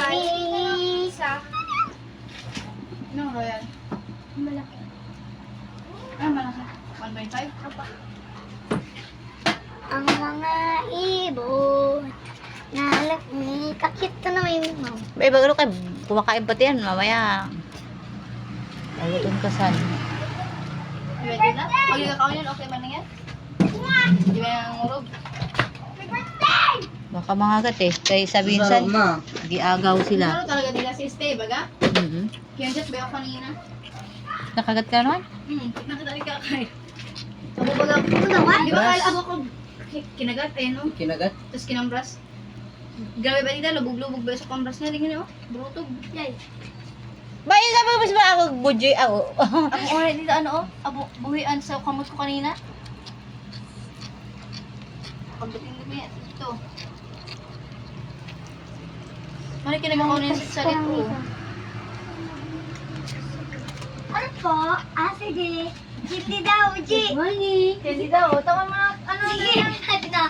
Isa. Anong royal? Malaki. Ah, malaki. 1.5? Apa. Ang mga ibon. Nalaki. Kakito na may mom. Bay, bago kayo, kumakain pati yan, mamaya. Alutin ka san. Ready na? Magigakaw yun, okay ba na yan? Di ba yung ngurog? Baka mga gat eh. Kaya sabihin san, giagaw sila. Ano talaga nila si Stay, baga? Mhm. Kaya dyan, ba ako kanina? Nakagat ka naman? Nakita rin ka kay. Ako baga, di ba kala ako kinagat eh, no? Kinagat? Tapos kinambras. Grabe ba nila, lubog-lubog ba sa kambras niya? Tingnan niyo, brutog. Yay. Ba, yun sabi mo ba ako, budyoy ako? Ang oras dito, ano oh, buhian sa kamot ko kanina. Pagdating na yan, ito. Mali ka naman kaunin sa salit ko. Ano po? Sige. Hindi daw, G. Hindi daw, tama mo na, ano Sige, natin na.